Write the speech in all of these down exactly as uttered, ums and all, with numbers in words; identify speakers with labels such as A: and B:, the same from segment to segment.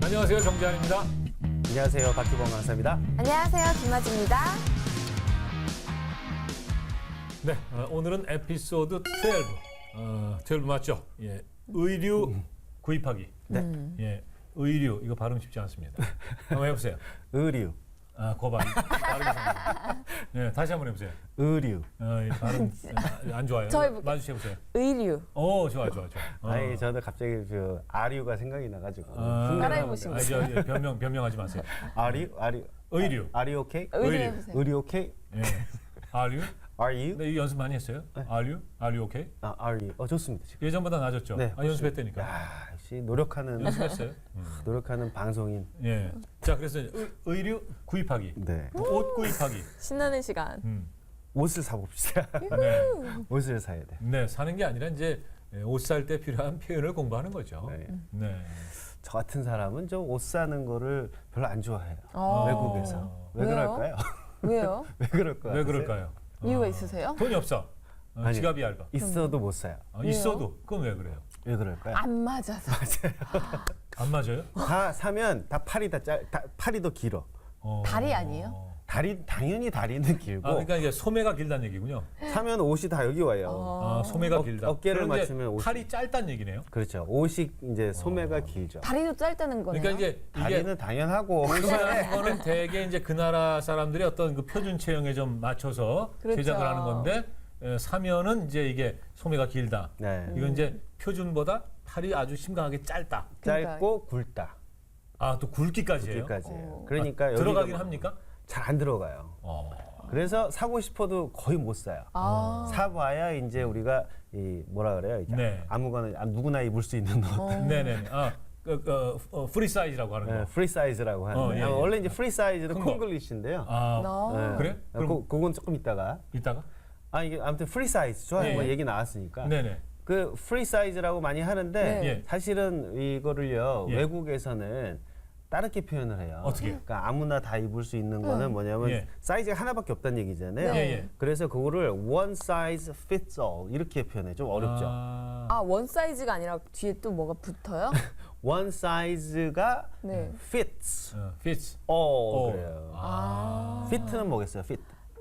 A: 안녕하세요, 정재환입니다.
B: 안녕하세요, 박기범 강사입니다.
C: 안녕하세요, 김아지입니다.
A: 네, 어, 오늘은 에피소드 십이. 어, 십이 맞죠? 예, 의류 구입하기.
B: 네.
A: 예, 의류 이거 발음 쉽지 않습니다. 한번 해보세요.
B: 의류,
A: 아, 거 발음. 발음이 상당히. 예, 다시 한번 해보세요.
B: 의류.
A: 어, 이 발음 아, 안 좋아요.
C: 저 해볼게요.
A: 마주쳐 보세요.
C: 의류.
A: 오, 좋아, 좋아, 좋아. 어.
B: 아니, 저도 갑자기 그 아류가 생각이 나가지고.
A: 아,
C: 따라해보시면
A: 아, 저, 예, 변명 변명하지 마세요.
B: 아류, 아류.
A: 의류.
B: 아, 아류 오케이?
C: 의류
A: 의류.
C: 해보세요.
B: 의류 오케이?
A: 예. Are you?
B: Are you?
A: 네, 이 연습 많이 했어요. Are you? Are you okay?
B: 아, are you? 어, 좋습니다. 지금.
A: 예전보다 나아졌죠?
B: 네,
A: 아, 연습했다니까.
B: 야, 역시 노력하는
A: 연습했어요. 음.
B: 노력하는 방송인.
A: 예. 자, 그래서 의, 의류 구입하기,
B: 네.
A: 옷 구입하기.
C: 신나는 시간.
A: 음.
B: 옷을 사봅시다.
A: 네.
B: 옷을 사야 돼.
A: 네, 사는 게 아니라 이제 옷 살 때 필요한 표현을 공부하는 거죠.
B: 네.
A: 네.
B: 저 같은 사람은 저 옷 사는 거를 별로 안 좋아해요.
C: 어.
B: 외국에서. 왜
C: 왜요?
B: 그럴까요?
C: 왜요?
B: 왜 그럴까요?
A: 왜 그럴까요?
C: 이유가
A: 어,
C: 있으세요?
A: 돈이 없어. 어,
B: 아니.
A: 지갑이 얇아.
B: 있어도 못 사요.
A: 어, 있어도 그건 왜 그래요?
B: 왜 그럴까요?
C: 안 맞아서.
A: 안 맞아요?
B: 다 사면 다 팔이 다 짧, 다, 팔이 더 길어.
A: 어.
C: 다리 아니에요?
B: 다리 당연히 다리는 길고
A: 아, 그러니까 이게 소매가 길다는 얘기군요.
B: 사면 옷이 다 여기 와요.
C: 어.
A: 아, 소매가
B: 어,
A: 길다.
B: 어깨를
A: 그럼 이제
B: 맞추면 옷이-
A: 팔이 짧다는 얘기네요.
B: 그렇죠. 옷이 이제 소매가 길죠.
C: 다리도 짧다는 거네요.
A: 그러니까 이제 이게
B: 다리는 당연하고
A: 옷이라는 거는 대개 이제 그 나라 사람들이 어떤 그 표준 체형에 좀 맞춰서
C: 그렇죠.
A: 제작을 하는 건데 에, 사면은 이제 이게 소매가 길다.
B: 네.
A: 이건 이제 표준보다 팔이 아주 심각하게 짧다.
B: 짧고 굵다.
A: 아, 또 굵기까지예요.
B: 여기까지예요.
C: 어.
B: 그러니까
A: 아,
B: 여기가
A: 들어가긴
B: 뭐
A: 합니까?
B: 잘 안 들어가요.
A: 어.
B: 그래서 사고 싶어도 거의 못 사요.
C: 아.
B: 사봐야 이제 우리가 이 뭐라 그래요? 이게
A: 네.
B: 아무거나 아, 누구나 입을 수 있는 옷.
C: 어.
A: 네네. 아, 그, 그, 어, 프리 사이즈라고 하는 거.
B: 네, 프리 사이즈라고 하는데
A: 어, 예,
B: 아,
A: 예.
B: 원래 이제 프리 사이즈는
A: 큰 거.
B: 콩글리시인데요.
A: 아,
C: 나.
A: 그래? 그럼-
B: 그, 그건 조금 이따가
A: 이따가?
B: 아 이게 아무튼 프리 사이즈 좋아요.
A: 예,
B: 뭐
A: 예.
B: 얘기 나왔으니까.
A: 네네.
B: 그 프리 사이즈라고 많이 하는데
C: 네.
A: 예.
B: 사실은 이거를요
A: 예.
B: 외국에서는 다르게 표현을 해요.
A: 어떻게?
B: 그러니까 아무나 다 입을 수 있는 거는 뭐냐면
A: 예.
B: 사이즈가 하나밖에 없다는 얘기잖아요.
C: 네.
A: 예, 예.
B: 그래서 그거를 one size fits all 이렇게 표현해. 좀 어렵죠.
A: 아,
C: 아, 원 사이즈가 아니라 뒤에 또 뭐가 붙어요?
B: one size가
C: 네.
B: fits
A: 어, fits.
B: all
A: all.
B: 그래요.
A: 아.
B: fit는 뭐겠어요? fit.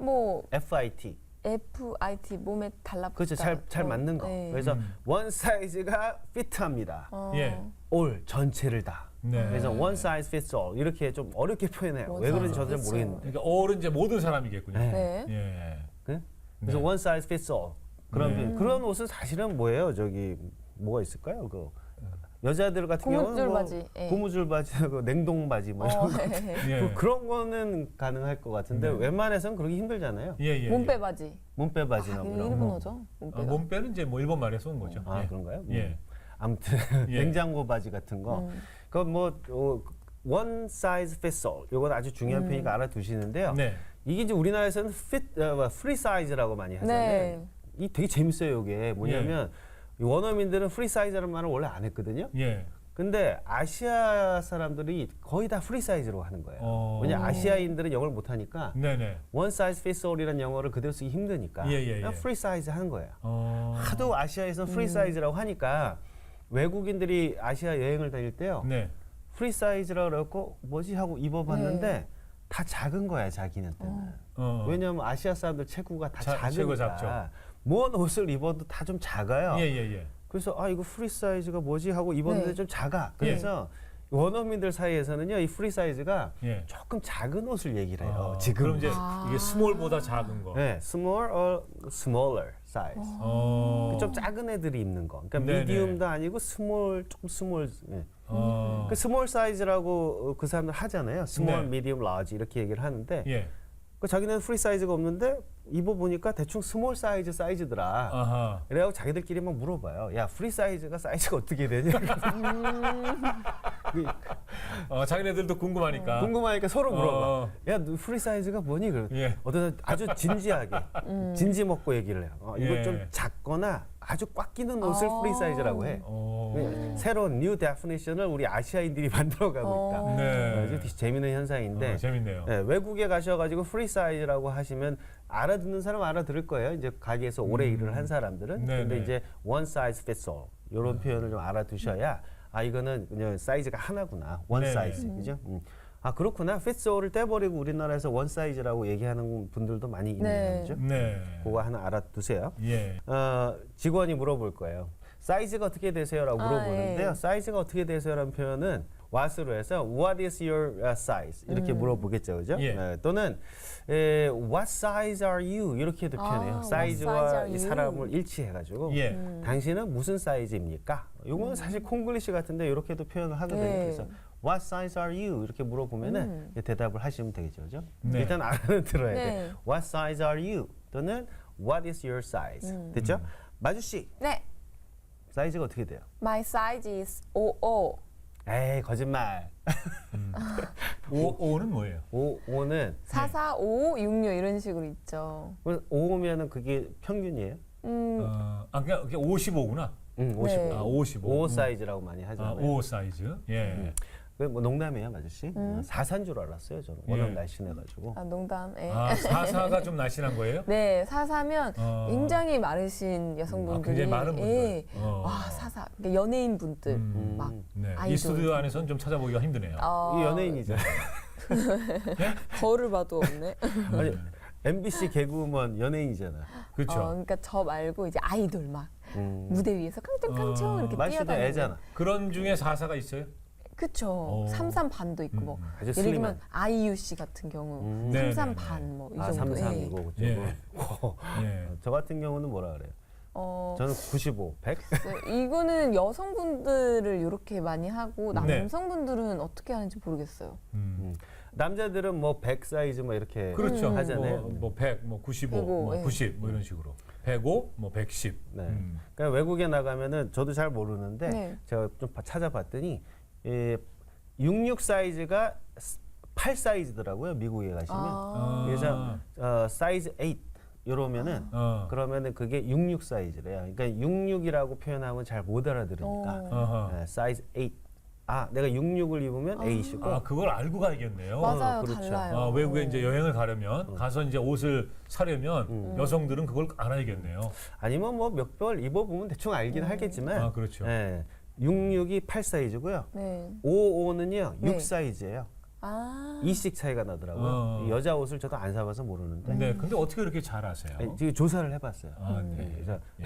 C: 뭐
B: F I T.
C: 에프 아이 티 몸에 달라붙다.
B: 그렇죠. 잘 잘
C: 어,
B: 맞는 거.
C: 네.
B: 그래서
A: 음.
B: one size가 fit합니다.
C: 어.
A: 예.
B: all 전체를 다.
A: 네.
B: 그래서 one size fits all 이렇게 좀 어렵게 표현해요.
C: one
B: 왜 그런지
C: size
B: 저도 잘
C: fits
B: 모르겠는데.
A: 그러니까 all은 이제 모든 사람이겠군요.
B: 네.
C: 네.
A: 예.
B: 그? 그래서
A: 네.
B: one size fits all 그런
A: 네.
B: 표현. 그런 옷은 사실은 뭐예요? 저기 뭐가 있을까요? 그 여자들 같은
C: 고무줄
B: 경우는 뭐
C: 바지, 예.
B: 고무줄 바지하고 냉동 바지 뭐 이런
C: 어,
B: 거.
A: 예.
B: 뭐 그런 거는 가능할 것 같은데
A: 네.
B: 웬만해서는 그러기 힘들잖아요.
A: 예, 예.
C: 몸빼 바지.
B: 몸빼 바지나
C: 아,
B: 뭐
C: 이거
B: 이런 거.
C: 일본어죠?
A: 아,
C: 몸빼가.
A: 몸빼는 이제 뭐 일본 말에서 온 거죠.
B: 아
A: 예.
B: 그런가요? 음.
A: 예.
B: 아무튼
A: 예.
B: 냉장고 바지 같은 거.
C: 음.
B: 그건 뭐 어, one size fits all. 이건 아주 중요한
C: 음.
B: 표현이니까 알아두시는데요.
A: 네.
B: 이게 이제 우리나라에서는 fit, 어, free size라고 많이 하잖아요.
C: 네.
B: 이 되게 재밌어요. 이게 뭐냐면 이 원어민들은 free size라는 말을 원래 안 했거든요.
A: 예.
B: 근데 아시아 사람들이 거의 다 프리 사이즈로 하는 거예요.
A: 어.
B: 왜냐 아시아인들은 영어를 못 하니까
A: 네네.
B: one size fits all이라는 영어를 그대로 쓰기 힘드니까
A: 예, 예,
B: 그냥
A: 예.
B: 프리 사이즈 하는 거예요.
A: 어.
B: 하도 아시아에서 프리 사이즈라고 하니까 외국인들이 아시아 여행을 다닐 때요.
A: 네.
B: 프리 사이즈라고 그래갖고 뭐지 하고 입어봤는데
C: 네.
B: 다 작은 거야 자기는 때는.
A: 어.
B: 왜냐면 아시아 사람들 체구가 다
A: 자- 체구가
B: 작으니까
A: 작죠.
B: 뭔 옷을 입어도 다 좀 작아요.
A: 예, 예, 예.
B: 그래서 아 이거 프리 사이즈가 뭐지 하고 입었는데
C: 네.
B: 좀 작아. 그래서 원어민들 사이에서는요 이 프리 사이즈가
A: 예.
B: 조금 작은 옷을 얘기를 해요.
A: 아,
B: 지금
A: 그럼 이제
C: 아.
A: 이게 스몰보다 작은 거.
B: 네, small or smaller size.
A: 어.
B: 좀 작은 애들이 입는 거. 그러니까
A: 네네.
B: 미디움도 아니고 스몰 조금 스몰. 네.
A: 어.
B: 그 스몰 사이즈라고 그 사람들 하잖아요. 스몰,
A: 네.
B: 미디움, 라지 이렇게 얘기를 하는데
A: 예.
B: 그 자기는 프리 사이즈가 없는데 입어 보니까 대충 스몰 사이즈 사이즈더라.
A: 아하.
B: 그래갖고 자기들끼리 막 물어봐요. 야 프리 사이즈가 사이즈가 어떻게 되냐? 그
A: 어, 자기네들도 궁금하니까.
B: 궁금하니까 서로 물어봐.
A: 어.
B: 야, 너 프리 사이즈가 뭐니? 그래.
A: 예.
B: 어떤 사람 아주 진지하게, 진지 먹고 얘기를 해요. 어, 이거
A: 예.
B: 좀 작거나 아주 꽉 끼는 옷을
C: 아.
B: 프리 사이즈라고 해.
A: 어.
B: 네, 새로운 뉴 데피니션을 우리 아시아인들이 만들어가고 있다.
C: 어.
A: 네.
B: 어, 되게 재미있는 현상인데
A: 어, 재밌네요.
B: 네, 외국에 가셔가지고 프리 사이즈라고 하시면 알아듣는 사람 은 알아들을 거예요. 이제 가게에서 오래 일을 한 사람들은.
A: 음. 네네.
B: 근데 이제 one size fits all 이런 표현을 좀 알아두셔야 아 이거는 그냥 사이즈가 하나구나. 원
A: 네네.
B: 사이즈. 그죠? 음. 아 그렇구나. fits all을 떼버리고 우리나라에서 원 사이즈라고 얘기하는 분들도 많이 있네요.
C: 네.
B: 그죠?
A: 네.
B: 그거 하나 알아두세요.
A: 예.
B: 어, 직원이 물어볼 거예요. 사이즈가 어떻게 되세요라고
C: 아,
B: 물어보는데요.
C: 예.
B: 사이즈가 어떻게 되세요라는 표현은 what으로 해서 what is your uh, size 이렇게
C: 음.
B: 물어보겠죠, 그죠?
A: 예.
B: 네, 또는 에, what size are you 이렇게도
C: 아,
B: 표현해요.
C: what
B: 사이즈와
C: size are
B: 이
C: you?
B: 사람을 일치해가지고
A: 예.
C: 음.
B: 당신은 무슨 사이즈입니까? 요거는 사실 콩글리시 같은데 이렇게도 표현을 하거든요.
C: 네.
B: 그래서 what size are you 이렇게 물어보면은
C: 음.
B: 이제 대답을 하시면 되겠죠, 그죠?
A: 네.
B: 일단 알아는 들어야 돼.
C: 네.
B: What size are you? 또는 What is your size?
C: 음.
B: 됐죠? 마주 씨
C: 네.
B: 사이즈가 어떻게 돼요?
C: My size is 오십오.
B: 에이 거짓말.
A: 오, 오는 뭐예요?
B: 오, 오는
C: 사사, 오오, 육육 이런 식으로 있죠.
B: 오면은 그게 평균이에요?
C: 음,
A: 어, 아, 그냥 그게 오십오구나.
B: 응, 오십오.
C: 네.
A: 아, 오십오.
B: 오 사이즈라고 많이
A: 아,
B: 하잖아요.
A: 오 사이즈. 예.
B: 음. 그뭐 농담이에요, 마주 씨.
C: 음.
B: 사사인 줄 알았어요, 저는. 워낙
A: 예.
B: 날씬해가지고.
C: 아, 농담. 예.
A: 아, 사사가 좀 날씬한 거예요?
C: 네, 사사면
A: 어.
C: 굉장히 마르신
A: 아,
C: 여성분들이
A: 굉장히 많은 분들.
C: 예.
A: 어.
C: 와, 사사. 그러니까 연예인 분들
A: 음.
C: 막
A: 네. 이
C: 아이돌.
A: 스튜디오 안에서는 좀 찾아보기가 힘드네요.
C: 어,
B: 이 연예인이죠.
C: 거울을 봐도 없네.
B: 아니, 엠비씨 개그우먼 연예인이잖아.
A: 그렇죠.
C: 어, 그러니까 저 말고 이제 아이돌 막
B: 음.
C: 무대 위에서 깡총깡총
A: 어.
C: 이렇게
B: 마주 씨도
C: 뛰어다니는.
B: 애잖아.
A: 그런 중에 사사가 있어요?
C: 그쵸.
A: 어.
C: 삼삼 반도 있고
A: 음.
C: 뭐.
B: 아주
C: 예를
B: 슬림한.
C: 들면 아이유 씨 같은 경우
B: 음.
A: 네.
C: 삼삼 반 뭐 이
B: 아,
C: 정도.
B: 삼삼이고
C: 예.
B: 그쪽은.
A: 예. 예.
B: 저 같은 경우는 뭐라 그래요?
C: 어,
B: 저는 구십오, 백.
C: 네, 이거는 여성분들을 이렇게 많이 하고
A: 네.
C: 남성분들은 어떻게 하는지 모르겠어요.
A: 음.
B: 남자들은 뭐 백 사이즈 뭐 이렇게
A: 그렇죠.
C: 음.
B: 하잖아요.
A: 뭐, 뭐 백, 뭐 구십오,
C: 백오,
A: 뭐
C: 예.
A: 구십, 뭐 이런 식으로. 백오, 뭐 백십.
B: 네.
A: 음.
B: 그러니까 외국에 나가면은 저도 잘 모르는데
C: 네.
B: 제가 좀 봐- 찾아봤더니 예, 육십육 사이즈가 팔 사이즈더라고요. 미국에 가시면.
C: 아.
B: 그래서 어, 사이즈 팔 이러면은
A: 어.
B: 그러면은 그게 육십육 사이즈래요. 그러니까 육십육이라고 표현하면 잘 못 알아들으니까
C: 어.
A: 어허.
B: 네, 사이즈 팔. 아, 내가 육십육을 입으면 팔이고.
A: 아, 그걸 알고 가야겠네요.
C: 맞아요,
B: 그렇죠.
C: 달라요.
A: 아, 외국에 이제 여행을 가려면 가서 이제 옷을 사려면
B: 음.
A: 여성들은 그걸 알아야겠네요.
B: 아니면 뭐 몇 벌 입어보면 대충 알긴 하겠지만.
A: 아, 그렇죠.
B: 네, 육십육이 팔 사이즈고요.
C: 네.
B: 오십오는요
C: 네.
B: 육 사이즈예요.
C: 아.
B: 이씩 차이가 나더라고요.
A: 어.
B: 이 여자 옷을 저도 안 사봐서 모르는데
A: 네, 근데 어떻게 그렇게 잘 아세요?
B: 아니, 지금 조사를 해봤어요.
A: 아,
C: 음.
A: 네.
B: 그래서
A: 예.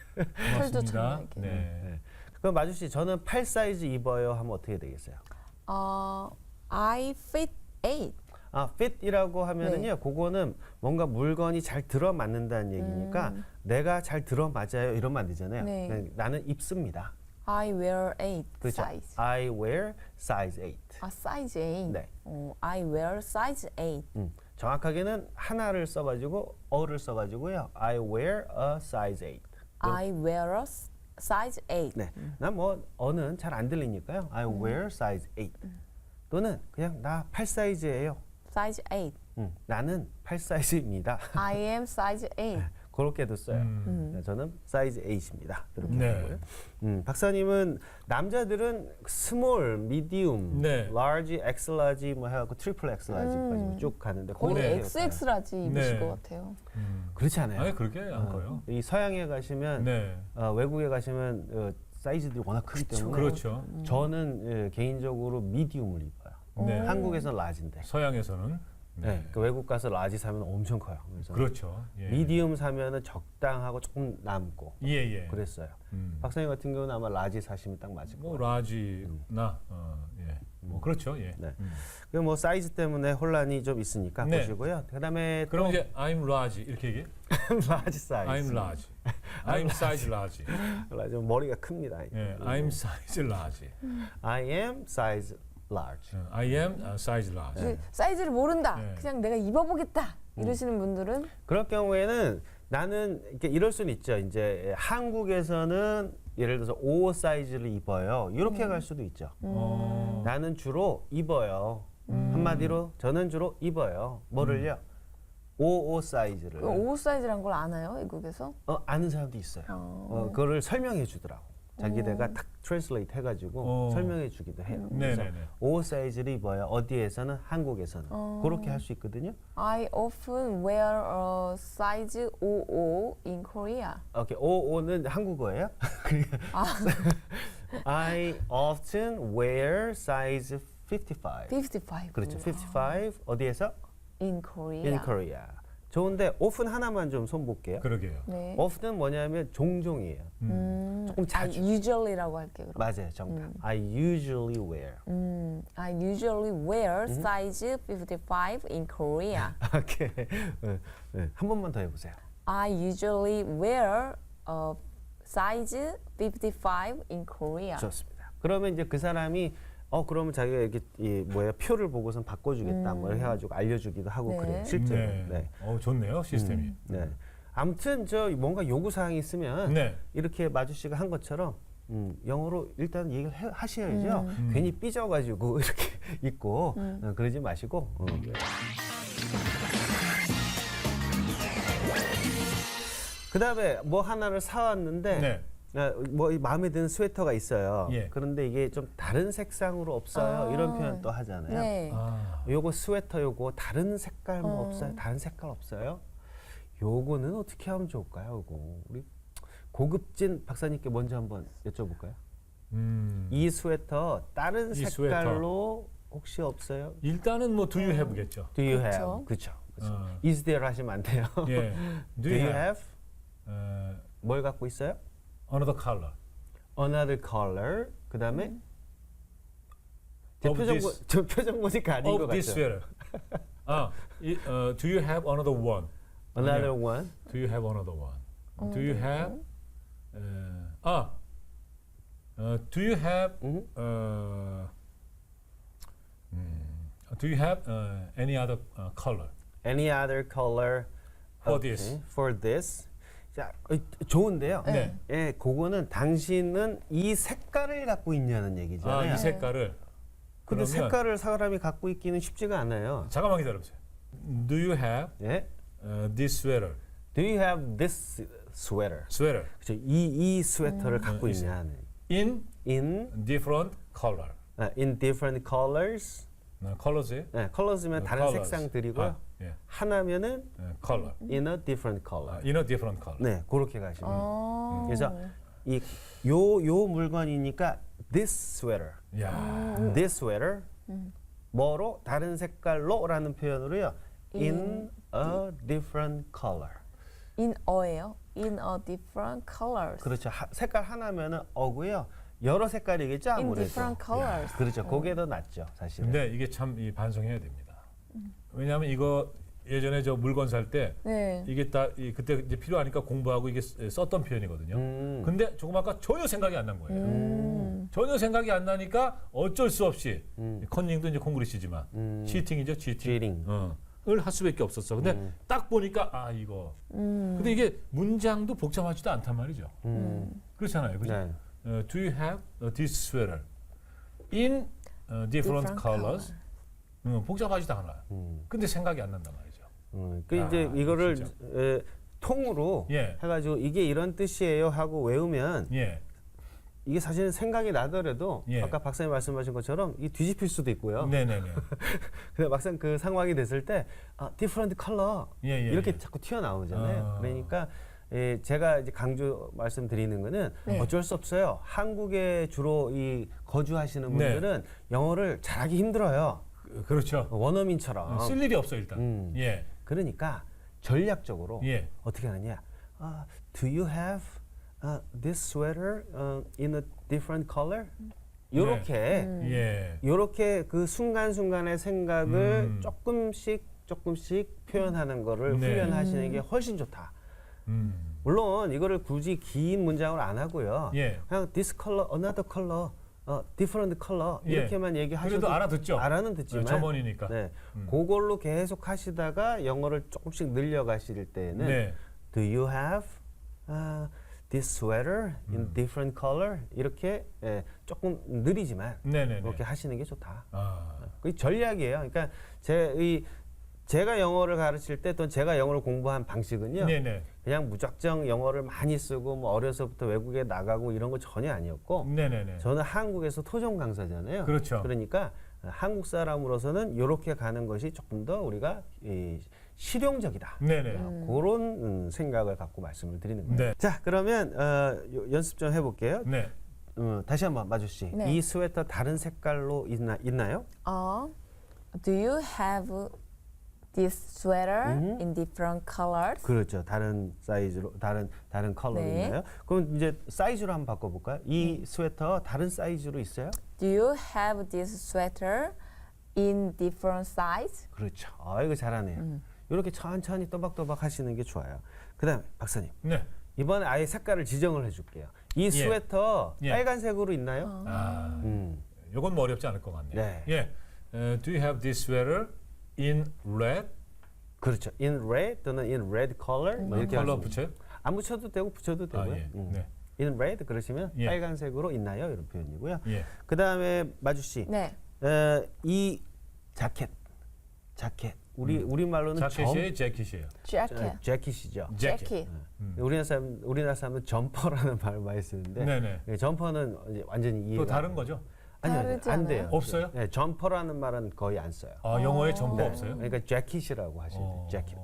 C: 털도
A: 고맙습니다.
C: 잘
A: 네.
B: 네. 그럼 마주 씨, 저는 팔 사이즈 입어요 하면 어떻게 되겠어요?
C: 어, I fit eight.
B: 아, fit이라고 하면은요, 그거는 뭔가 물건이 잘 들어맞는다는 얘기니까
C: 음.
B: 내가 잘 들어맞아요 이러면 안 되잖아요.
C: 네.
B: 그냥 나는 입습니다.
C: I wear eight
B: 그렇죠.
C: size.
B: I wear size eight.
C: 아, size eight.
B: 네.
C: 어, I wear size eight.
B: 음, 정확하게는 하나를 써가지고 어를 써가지고요. I wear a size eight.
C: I wear a s- size eight.
B: 네, 난 뭐 어는 잘 안 들리니까요. I wear size eight. 또는 그냥 나 팔 사이즈예요.
C: size eight.
B: 음, 나는 팔 사이즈입니다.
C: I am size eight.
B: 그렇게도 써요.
A: 음.
B: 네, 저는 사이즈 eight입니다. 이렇게
A: 네.
B: 하고요. 음, 박사님은 남자들은 스몰, 미디움,
A: 네.
B: 라지, 엑스 라지 뭐 해갖고 트리플 엑스 라지까지
C: 음.
B: 쭉 가는데
C: 거의
B: 그거는
C: 엑스엑스라지 입으실
A: 네.
C: 것 같아요.
A: 음.
B: 그렇지 않아요.
A: 아니, 그렇게 안 커요.
B: 이 서양에 가시면
A: 네.
B: 어, 외국에 가시면 어, 사이즈들이 워낙 크기 때문에
A: 그렇죠.
B: 저는 예, 개인적으로 미디움을 입어요.
A: 네.
C: 오.
B: 한국에서는 라지인데
A: 서양에서는 네.
B: 네. 그 외국 가서 라지 사면 엄청 커요. 그래서
A: 그렇죠. 예.
B: 미디움 사면은 적당하고 조금 남고
A: 예, 예.
B: 그랬어요.
A: 음.
B: 박사님 같은 경우는 아마 라지 사시면 딱 맞을
A: 뭐
B: 거예요.
A: 라지나 어, 예. 뭐 그렇죠. 예.
B: 네.
A: 음.
B: 그뭐 사이즈 때문에 혼란이 좀 있으니까
A: 네.
B: 보시고요. 그다음에
A: 그럼 이제 I'm large 이렇게 얘기해?
B: 라지 사이즈.
A: I'm large. I'm size large.
B: 라지 머리가 큽니다.
A: 예. I'm size large.
B: I am size large.
A: 어, I am uh, size large.
C: 근데 사이즈를 모른다.
A: 네.
C: 그냥 내가 입어보겠다.
B: 음.
C: 이러시는 분들은
B: 그럴 경우에는 나는 이렇게 이럴 수는 있죠. 이제 한국에서는 예를 들어서 오 사이즈를 입어요. 이렇게 갈 수도 있죠.
A: 어.
B: 나는 주로 입어요. 한마디로 저는 주로 입어요. 뭐를요? 오십오 사이즈를.
C: 그 오 사이즈란 걸 아나요? 외국에서?
B: 어, 아는 사람도 있어요.
C: 어.
B: 어, 그거를 설명해 주더라고. 자기네가 딱 트랜슬레이트 해가지고
A: 어.
B: 설명해 주기도 해요. 그래서
A: 네네네.
B: 오십오 사이즈를 입어요. 어디에서는 한국에서는
C: 어.
B: 그렇게 할 수 있거든요.
C: I often wear a size 오십오 in Korea.
B: 오케이, 오십오는 한국어예요?
C: 아,
B: I often wear size fifty-five.
C: fifty-five.
B: 그렇죠. fifty-five 어디에서?
C: In Korea.
B: In Korea. 좋은데 often 하나만 좀 손볼게요.
A: 그러게요.
C: 네.
B: often은 뭐냐면 종종이에요.
C: 음,
B: 조금 자주.
C: I usually라고 할게요. 그럼.
B: 맞아요, 정답. I usually wear.
C: 음, I usually wear size fifty-five in Korea.
B: 오케이. 네, 네. 한 번만 더 해보세요.
C: I usually wear a size fifty-five in Korea.
B: 좋습니다. 그러면 이제 그 사람이 어 그러면 자기가 이렇게 이 뭐야 표를 보고선 바꿔주겠다 뭐 해가지고 알려주기도 하고
C: 네.
B: 그래요. 실제로.
A: 네.
B: 네.
A: 어, 좋네요, 시스템이.
B: 네. 아무튼 저 뭔가 요구 사항이 있으면
A: 네.
B: 이렇게 마주 씨가 한 것처럼 음, 영어로 일단 얘기를 해, 하셔야죠. 괜히 삐져가지고 이렇게 있고 어, 그러지 마시고. 어. 그다음에 뭐 하나를 사왔는데
A: 네.
B: 어, 뭐 이 마음에 드는 스웨터가 있어요.
A: 예.
B: 그런데 이게 좀 다른 색상으로 없어요.
C: 아.
B: 이런 표현 또 하잖아요.
C: 네.
A: 아,
B: 요거 스웨터 요거 다른 색깔 뭐
C: 어.
B: 없어요? 다른 색깔 없어요? 요거는 어떻게 하면 좋을까요? 요거 우리 고급진 박사님께 먼저 한번 여쭤볼까요?
A: 음.
B: 이 스웨터 다른
A: 이
B: 색깔로 혹시 없어요?
A: 일단은 뭐 do you have겠죠.
B: Do you
C: 그쵸.
B: have? 그렇죠.
A: 어.
B: is there 하시면 안 돼요.
A: 예.
B: Do you have?
A: 어,
B: 뭘 갖고 있어요?
A: another color.
B: Another color. 그다음에
C: 음.
B: 제
A: Of
B: 표정
A: this-
B: 보, 저 표정 보니까 아닌 것
A: Of this
B: 같죠.
A: sweater. 아, 이, 어, do you have another one?
B: Another
A: 아니요.
B: one.
A: Do you have another one? Do you have? 어, 아, 어, do you have?
B: 음.
A: 어, 음, do you have uh, any other uh, color
B: Any other color
A: for
B: Okay,
A: this?
B: For this. 자, 어, 좋은데요.
A: 네.
B: 예, 그거는 당신은 이 색깔을 갖고 있냐는
A: 아,
B: 얘기잖아요.
A: 이 색깔을.
B: 근데
A: 그러면
B: 색깔을 사람이 갖고 있기는 쉽지가 않아요.
A: 잠깐만 기다려보세요. Do you have
B: 예?
A: uh, this sweater?
B: Do you have this sweater?
A: Sweater
B: 그렇죠. 이, 이 스웨터를 갖고
A: 음,
B: 있냐는.
A: in
B: In
A: different color.
B: 아, in different colors.
A: 어, colors에
B: 네, colors면 다른
A: colors.
B: 색상들이고요.
A: 아, 예.
B: 하나면은
A: 어, color.
B: in a different color.
A: 아, in a different color.
B: 네, 그렇게 가시면.
C: 어.
B: 그래서 이 요 요 물건이니까 this sweater.
A: 야,
B: this sweater 뭐로 다른 색깔로라는 표현으로요. in a different color.
C: in a예요. In a different colors.
B: 그렇죠. 하, 색깔 하나면은 어고요. 여러 색깔이겠죠
C: In
B: 아무래도.
C: different colors.
B: 그렇죠. 그게 더 낫죠 사실은.
A: 근데 이게 참 이 반성해야 됩니다. 왜냐하면 이거 예전에 저 물건 살 때
C: 네.
A: 이게 딱 이, 그때 이제 필요하니까 공부하고 이게 쓰- 썼던 표현이거든요.
B: 음.
A: 근데 조금 아까 전혀 생각이 안 난 거예요.
C: 음.
A: 전혀 생각이 안 나니까 어쩔 수 없이
B: 음.
A: 컨닝도 이제 콩그리시지만
B: 음.
A: 치팅이죠, 치팅.
B: cheating.
A: 어, 을할 수밖에 없었어. 근데
B: 음.
A: 딱 보니까 아 이거.
C: 음.
A: 근데 이게 문장도 복잡하지도 않단 말이죠.
B: 음.
A: 그렇잖아요, 그죠?
B: 네.
A: 어, do you have uh, this sweater in uh, different,
C: Different
A: colors? 음, 복잡하지도 않아요.
B: 음.
A: 근데 생각이 안 난단 말이죠.
B: 음. 그
A: 야,
B: 이제 이거를
A: 진짜.
B: 에, 통으로
A: 예.
B: 해가지고 이게 이런 뜻이에요 하고 외우면
A: 예,
B: 이게 사실은 생각이 나더라도
A: 예.
B: 아까 박사님 말씀하신 것처럼 이 뒤집힐 수도 있고요.
A: 네네네.
B: 근데 막상 그 상황이 됐을 때 아, different color
A: 예, 예,
B: 이렇게
A: 예.
B: 자꾸 튀어나오잖아요.
A: 아.
B: 그러니까 예, 제가 이제 강조 말씀드리는 거는
C: 네.
B: 어쩔 수 없어요. 한국에 주로 이 거주하시는
A: 네.
B: 분들은 영어를 잘하기 힘들어요.
A: 그- 그렇죠.
B: 원어민처럼.
A: 쓸 일이 없어 일단.
B: 음.
A: 예,
B: 그러니까 전략적으로
A: 예.
B: 어떻게 하느냐? 아, do you have uh, this sweater uh, in a different color? 요렇게
A: 예.
B: 요렇게 그 순간순간의 생각을
A: 음.
B: 조금씩 조금씩 표현하는 거를
A: 네.
B: 훈련하시는 게 훨씬 좋다.
A: 음.
B: 물론 이거를 굳이 긴 문장으로 안 하고요.
A: 예.
B: 그냥 this color, another color, 어, different color
A: 예.
B: 이렇게만 얘기하셔도
A: 그래도 알아듣죠.
B: 알아는 듣지만
A: 어, 점원이니까.
B: 네,
A: 음.
B: 그걸로 계속 하시다가 영어를 조금씩 늘려가실 때는
A: 네.
B: Do you have uh, this sweater in
A: 음.
B: different color? 이렇게 예, 조금 느리지만
A: 네네네.
B: 그렇게 하시는 게 좋다.
A: 아,
B: 그게 전략이에요. 그러니까 제 이 제가 영어를 가르칠 때 또 제가 영어를 공부한 방식은요.
A: 네네.
B: 그냥 무작정 영어를 많이 쓰고 뭐 어려서부터 외국에 나가고 이런 거 전혀 아니었고
A: 네네네.
B: 저는 한국에서 토종 강사잖아요.
A: 그렇죠.
B: 그러니까 한국 사람으로서는 이렇게 가는 것이 조금 더 우리가 이 실용적이다.
A: 네네.
B: 어, 그런 음, 생각을 갖고 말씀을 드리는 거예요.
A: 네.
B: 자, 그러면 어, 요- 연습 좀 해볼게요.
A: 네.
B: 음, 다시 한번 마주 씨.
C: 네.
B: 이 스웨터 다른 색깔로 있나 있나요?
C: 어, do you have this sweater
B: 음.
C: in different colors?
B: 그렇죠. 다른 사이즈로 다른 다른 컬러로
C: 네.
B: 있나요? 그럼 이제 사이즈로 한번 바꿔 볼까요? 이
C: 네.
B: 스웨터 다른 사이즈로 있어요?
C: Do you have this sweater in different size?
B: 그렇죠. 아, 이거 잘하네요.
C: 음.
B: 이렇게 천천히 또박또박 하시는 게 좋아요. 그다음에 박사님.
A: 네.
B: 이번에 아예 색깔을 지정을 해 줄게요. 이 스웨터
A: 예.
B: 빨간색으로 있나요?
C: 어.
A: 아,
B: 음.
A: 이건 뭐 어렵지 않을 것 같네요.
B: 네.
A: 예. 어, do you have this sweater in red?
B: 그렇죠. in red 또는 in red color 뭐 이렇게
A: 컬러
B: 하시면
A: 붙여요?
B: 안 붙여도 되고 붙여도
A: 아,
B: 되고요.
A: 예.
B: 음.
A: 네.
B: in red 그러시면
A: 예.
B: 빨간색으로 있나요? 이런 표현이고요.
A: 예.
B: 그다음에 마주 씨.
C: 네.
B: 어, 이 자켓. 자켓. 우리 우리 말로는
A: 자켓이에요, 재킷이에요.
C: jacket.
B: 재킷이죠.
A: 재킷.
C: jacket.
A: 음.
B: 우리나라 사람 우리나라 사람은 점퍼라는 말을 많이 쓰는데
A: 네네.
B: 예, 점퍼는 이제 완전히 이해가
A: 또 다른 거죠?
B: 아니요, 아니요,
C: 다르지
B: 안
C: 않아요?
B: 돼요.
A: 없어요?
B: 네, 점퍼라는 말은 거의 안 써요.
A: 아, 영어에 점퍼
B: 네,
A: 없어요?
B: 그러니까 재킷이라고 하시면 돼요.
A: 어.
B: 재킷.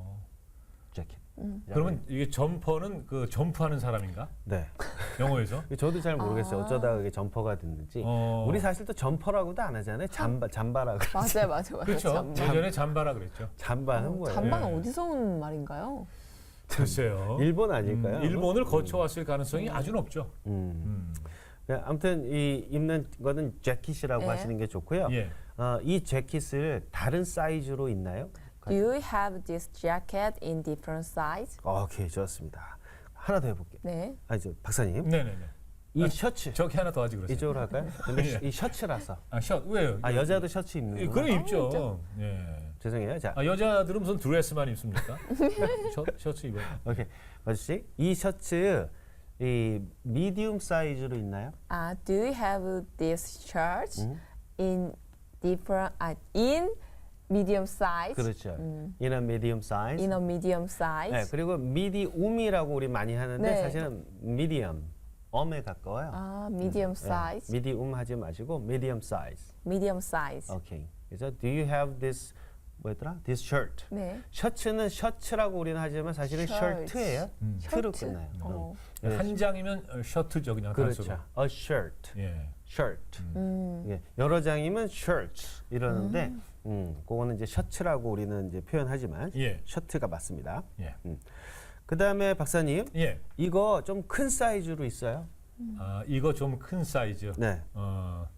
B: 재킷.
A: 그러면 이게 점퍼는 그 점프하는 사람인가?
B: 네.
A: 영어에서?
B: 저도 잘 모르겠어요.
C: 아.
B: 어쩌다가 그게 점퍼가 됐는지.
A: 어.
B: 우리 사실 또 점퍼라고도 안 하잖아요. 잠바 잠바라고.
C: 맞아요, 맞아요, 맞아요.
A: 그렇죠.
C: 잠바.
A: 예전에 잠바라 그랬죠.
B: 잠바는 뭐예요?
C: 잠바는
A: 예.
C: 어디서 온 말인가요?
A: 글쎄요.
B: 일본 아닐까요?
A: 음, 일본을 거쳐왔을 가능성이 아주 높죠.
B: 음.
A: 음.
B: 네, 아무튼 이 입는 거는 재킷이라고
C: 네.
B: 하시는 게 좋고요.
A: 예.
B: 어, 이 재킷을 다른 사이즈로 있나요?
C: Do you have this jacket in different size?
B: 오케이, 좋습니다. 하나 더 해볼게요.
C: 네.
B: 아, 저 박사님,
A: 네네네.
B: 이
A: 아,
B: 셔츠
A: 저기 하나 더 하지 그러세요.
B: 이쪽으로 할까요? 근데
A: 예.
B: 이 셔츠라서.
A: 아, 셔 왜요?
B: 아, 여자도 셔츠 입는
A: 예,
B: 거.
A: 그럼 입죠. 예.
B: 죄송해요. 자,
A: 아, 여자들은 무슨 드레스만 입습니까? 셔, 셔츠 입어요.
B: 오케이, 마주 씨, 이 셔츠 이 미디움 사이즈로 있나요?
C: 아, do you have this shirt
B: 음?
C: in different 아, in medium size?
B: 그렇죠.
C: 음.
B: in a medium size.
C: In a medium size.
B: 네, 그리고 미디움이라고 우리 많이 하는데
C: 네.
B: 사실은 미디엄, 엄에 가까워요.
C: 아, medium size.
B: 미디움 하지 마시고 medium size.
C: medium size.
B: 오케이. 그래서 do you have this 뭐였더라? This shirt.
C: 네.
B: 셔츠는 셔츠라고 우리는 하지만 사실은
C: 셔츠.
B: 셔츠예요.
A: 음.
B: 트로
C: 셔츠.
B: 끝나요.
C: 어.
B: 네.
A: 한 장이면 어, 셔츠죠, 그냥 단수로.
B: 그렇죠. A shirt.
A: 예.
B: shirt.
C: 음.
B: 예, 여러 장이면 shirts 이러는데 음, 그거는 이제 셔츠라고 우리는 이제 표현하지만
A: 예.
B: 셔츠가 맞습니다.
A: 예.
B: 그다음에 박사님,
A: 예.
B: 이거 좀 큰 사이즈로 있어요?
A: 아, 이거 좀 큰 사이즈.
B: 네.
A: 어,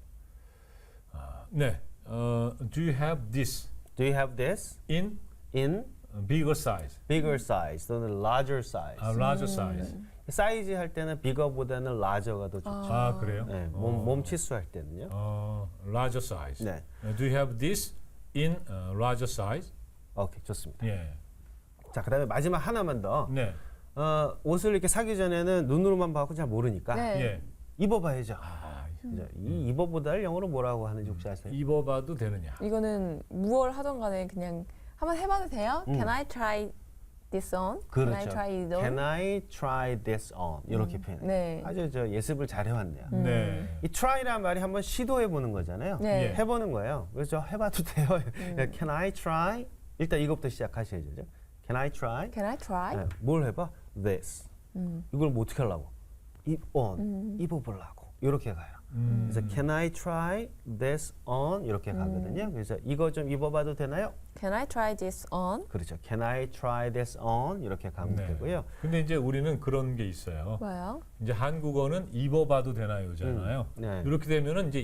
A: 아, 네. 어, do you have this
B: Do you have this
A: in
B: in
A: bigger size?
B: bigger size 또는 larger size?
A: 아, larger size.
B: 사이즈 할 때는 bigger보다는 larger가 더 좋죠.
A: 아, 그래요?
B: 네,
A: 어.
B: 몸, 몸 치수할 때는요.
A: 어, larger size.
B: 네.
A: 어, do you have this in uh, larger size?
B: 오케이, 좋습니다.
A: 예.
B: 자, 그다음에 마지막 하나만 더.
A: 네.
B: 어, 옷을 이렇게 사기 전에는 눈으로만 봐고 잘 모르니까
C: 네.
A: 예.
B: 입어봐야죠.
A: 아,
B: 그죠? 이 입어보다를 영어로 뭐라고 하는지 혹시 아세요?
A: 입어봐도 되느냐?
C: 이거는 무얼 하던 간에 그냥 한번 해봐도 돼요?
B: 음.
C: Can I try this on? Can I
B: 그렇죠.
C: try it on?
B: Can I try this on? 이렇게 표현해요.
C: 네.
B: 아주 저 예습을 잘 해왔네요.
C: 음.
A: 네.
B: 이 try라는 말이 한번 시도해보는 거잖아요.
C: 네.
A: 예.
B: 해보는 거예요. 그래서 저 해봐도 돼요.
C: 음.
B: Can I try? 일단 이것부터 시작하셔야죠. Can I try?
C: Can I try?
B: 네, 뭘 해봐? This.
C: 음.
B: 이걸 뭐 어떻게 하려고? 입 on. 입어보려고. 이렇게 가요.
A: 음.
B: 그래서 Can I try this on? 이렇게 가거든요. 그래서 이거 좀 입어봐도 되나요?
C: Can I try this on?
B: 그렇죠. Can I try this on? 이렇게 가면
A: 네.
B: 되고요.
A: 근데 이제 우리는 그런 게 있어요.
C: 뭐요?
A: 이제 한국어는 입어봐도 되나요잖아요.
B: 음, 네.
A: 이렇게 되면은 이제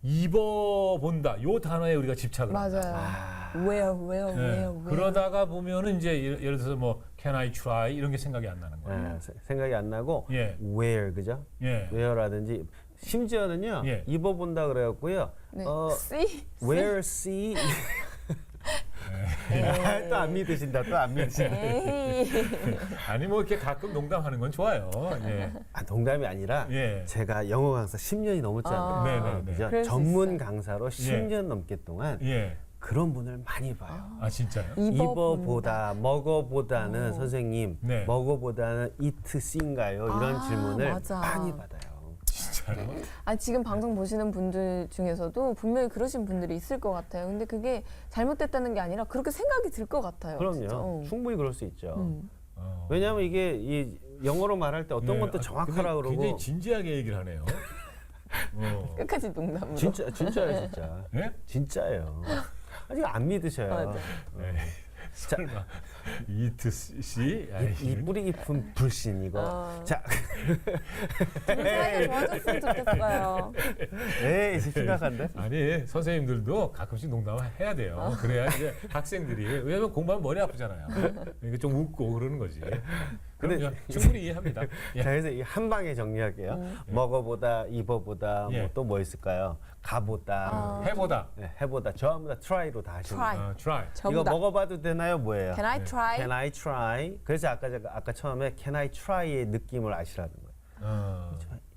A: 입어본다 요 단어에 우리가 집착을
C: 맞아요.
A: 한다.
C: Where, where,
A: 네.
C: where, where?
A: 그러다가 보면은 이제 예를 예를 들어서 뭐 Can I try 이런 게 생각이 안 나는 거예요.
B: 네, 세- 생각이 안 나고
A: 예.
B: where 그죠?
A: 예.
B: where라든지 심지어는요
A: 예.
B: 입어본다 그래갖고요.
C: 네.
B: 어,
C: See?
B: where see 또 안 믿으신다 또 안 믿으신다.
C: 에이.
A: 아니 뭐 이렇게 가끔 농담하는 건 좋아요. 예.
B: 아, 농담이 아니라
A: 예.
B: 제가 영어 강사 십 년이 넘었잖아요.
C: 아.
A: 네네네.
B: 그죠?
C: 그럴 수
B: 전문
C: 있어요.
B: 강사로 십 년 넘게 동안
A: 예.
B: 그런 분을 많이 봐요.
A: 아 진짜요?
B: 입어보다 먹어보다는
C: 어.
B: 선생님
A: 네.
B: 먹어보다는 eat see인가요? 이런
C: 아,
B: 질문을
C: 맞아.
B: 많이 받아요.
A: 진짜요?
C: 아, 지금 방송 보시는 분들 중에서도 분명히 그러신 분들이 있을 것 같아요. 근데 그게 잘못됐다는 게 아니라 그렇게 생각이 들 것 같아요.
B: 그럼요.
C: 진짜. 어.
B: 충분히 그럴 수 있죠.
C: 음.
A: 어.
B: 왜냐하면 이게 이 영어로 말할 때 어떤
A: 네.
B: 것도
A: 아,
B: 정확하라
A: 근데
B: 그러고
A: 굉장히 진지하게 얘기를 하네요. 어.
C: 끝까지 농담으로.
B: 진짜 진짜예요, 진짜.
A: 예?
B: 진짜예요. 아직 안 믿으셔요.
C: 맞아.
A: 네.
B: 자,
A: 설마 이트 씨?
B: 이, 이 뿌리 깊은 불신 이거.
C: 어.
B: 자,
C: 좀 사이가 좋아졌으면 좋겠어요.
B: 에이 심각한데?
A: 아니 선생님들도 가끔씩 농담을 해야 돼요. 그래야 이제 학생들이 왜냐면 공부하면 머리 아프잖아요. 이게 좀 웃고 그러는 거지.
B: 근데-
A: 그럼 충분히 이해합니다. 예.
B: 자, 그래서 이 한 방에 정리할게요.
C: 음.
B: 먹어보다, 입어보다,
A: 예.
B: 뭐 또 뭐 있을까요? 가보다,
C: 아.
A: 해보다.
B: 네, 해보다, 저하보다 try로 다 하시는
C: Try.
B: 거예요.
A: 어, try.
B: 이거
C: 저보다.
B: 먹어봐도 되나요? 뭐예요?
C: Can I
A: 네.
C: try?
B: Can I try? 그래서 아까 제가 아까 처음에 Can I try의 느낌을 아시라는 거예요.
A: 어.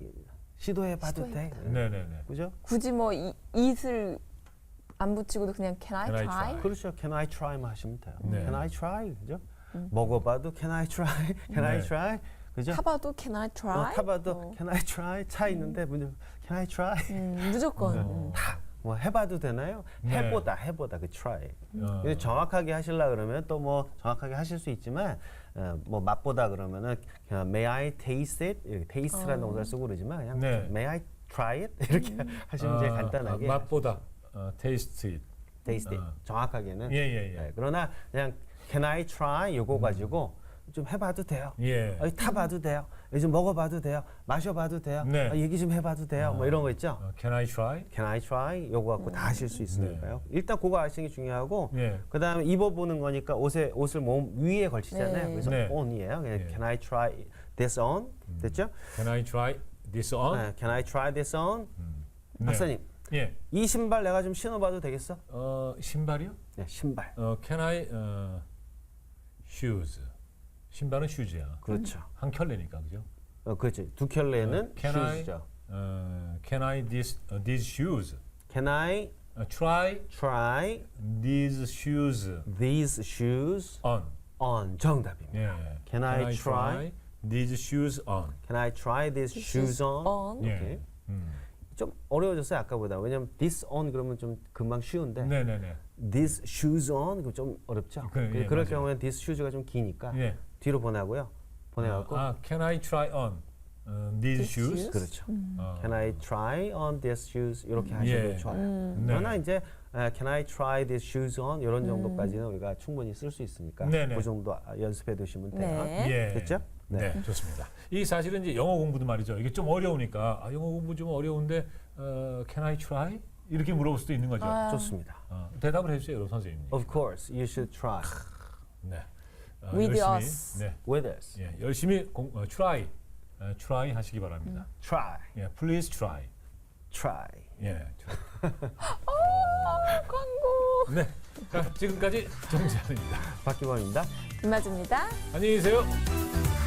B: 시도해봐도 돼.
C: 시도해봐도
A: 네네네.
B: 그죠?
C: 굳이 뭐 이, it을 안 붙이고도 그냥 Can I
A: Can I
C: try?
A: try?
B: 그렇죠. Can I try만 하시면 돼요.
A: 네.
B: Can I try? 그죠? 먹어봐도 Can I try? Can I
A: 네.
B: try? 그죠?
C: 타봐도 Can I try?
B: 어, 타봐도
C: 어.
B: Can I try? 차 있는데 문제 Can I try?
C: 음, 무조건.
A: 네.
C: 음.
B: 뭐 해봐도 되나요?
A: 네.
B: 해보다 해보다 그 try.
A: 어.
B: 근데 정확하게 하시려 그러면 또 뭐 정확하게 하실 수 있지만 어, 뭐 맛보다 그러면은 그냥 May I taste it? 이렇게 taste라는
C: 어.
B: 동사를 쓰고 그러지만 그냥
A: 네.
B: May I try it? 이렇게 하시면 제일
A: 아,
B: 간단하게
A: 아, 맛보다 어, taste it.
B: taste it.
A: 어.
B: 정확하게는.
A: 예예예.
B: 네, 그러나 그냥 Can I try? 요거 가지고 좀 해봐도 돼요.
A: 예.
B: 어, 타봐도 돼요. 요즘 먹어봐도 돼요. 마셔봐도 돼요.
A: 네.
B: 아, 얘기 좀 해봐도 돼요. 뭐 이런 거 있죠.
A: 어, can I try?
B: Can I try? 요거 갖고 다 하실 수 있으니까요. 일단 그거 아시는 게 중요하고
A: 예.
B: 그다음에 입어보는 거니까 옷에 옷을 몸 위에 걸치잖아요.
C: 네.
B: 그래서
A: 네.
B: on이에요. 그냥
A: 예.
B: Can I try this on? 됐죠?
A: Can I try this on?
B: 네. Can I try this on?
A: 네.
B: 박사님,
A: 예.
B: 이 신발 내가 좀 신어봐도 되겠어?
A: 어, 신발이요?
B: 네, 신발.
A: 어, can I 어, shoes? 신발은 슈즈야.
B: 그렇죠.
A: 한 켤레니까 그죠?
B: 어, 그렇죠. 두 켤레는
A: 어, can I
B: shoes죠.
A: 어, can I this uh, these shoes?
B: Can I
A: 어, try
B: try
A: these shoes
B: these shoes
A: on?
B: on? 정답입니다.
A: 예.
B: Can I try?
A: these shoes on?
B: Can I try these shoes on?
C: on.
A: 예.
B: 오케이.
A: 음.
B: 좀 어려워졌어요 아까보다. 왜냐면 this on 그러면 좀 금방 쉬운데
A: 네네네.
B: these shoes on 그럼 좀 어렵죠.
A: 그, 예,
B: 그럴
A: 맞아요.
B: 경우에는 this shoes가 좀 기니까
A: 예.
B: 뒤로 보내고요. 보내갖고
A: 아, can I try on 어, these
C: These
A: shoes?
C: shoes?
B: 그렇죠.
A: 어.
B: Can I try on these shoes 이렇게 하셔도
A: 예.
B: 좋아요.
C: 음.
A: 네.
B: 그러나 이제 아, Can I try these shoes on 이런 정도까지는 우리가 충분히 쓸 수 있으니까
A: 네네.
B: 그 정도 아, 연습해 두시면 돼요.
C: 네.
A: 예.
B: 됐죠?
A: 네.
B: 네.
A: 좋습니다. 이 사실은 이제 영어 공부도 말이죠. 이게 좀 어려우니까 아, 영어 공부 좀 어려운데 어, can I try? 이렇게 물어볼 수도 있는 거죠.
C: 아.
B: 좋습니다.
A: 어, 대답을 해주세요, 여러분 선생님.
B: Of course, you should try
A: 네. 어,
C: With
A: 열심히,
C: us.
A: 네,
B: with us.
A: 예, 열심히 공, 어, try, 어, try 하시기 바랍니다.
B: Try,
A: 예, please try.
B: try.
A: 예.
C: 광고.
A: 네. 자, 지금까지 정재환입니다.
B: 박기범입니다.
C: 김아주입니다.
A: 안녕히 계세요.